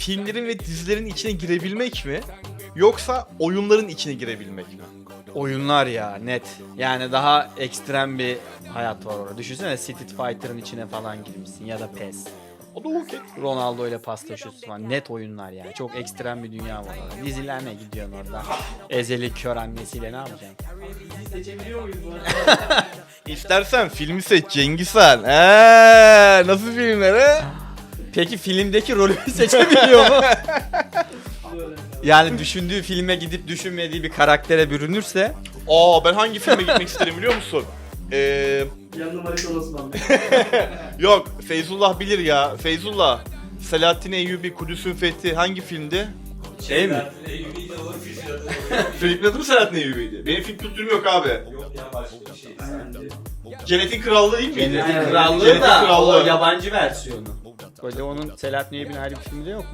filmlerin ve dizilerin içine girebilmek mi? Yoksa oyunların içine girebilmek mi? Oyunlar ya net. Yani daha ekstrem bir hayat var orada. Düşünsene Street Fighter'ın içine falan girmişsin ya da PES. O da okey. Ronaldo ile paslaşıyorsun falan. Net oyunlar yani. Çok ekstrem bir dünya var orada. Diziler ne gidiyorsun orada? Ezeli kör annesiyle ne yapacaksın? Seçebiliyor muyuz bu arada? İstersen filmi seç Cengiz Han. Nasıl filmler he? Peki filmdeki rolü seçebiliyor mu? Böyle. Yani düşündüğü filme gidip düşünmediği bir karaktere bürünürse Ben hangi filme gitmek isterim biliyor musun? Yanına Marika Osman. Yok Feyzullah bilir ya. Feyzullah. Selahattin Eyyubi, Kudüs'ün Fethi hangi filmdi? şey mi? Filmin adı mı Selahattin Eyyubi'ydi? Benim film kültürüm yok abi. Yok ya başka bir şey. Cennetin Krallığı değil miydi? Cennetin Cennetin Krallığı da Krallığı. o yabancı versiyonu. Böyle onun Selahattin Eyyubi'nin ayrı bir filmi de yok mu?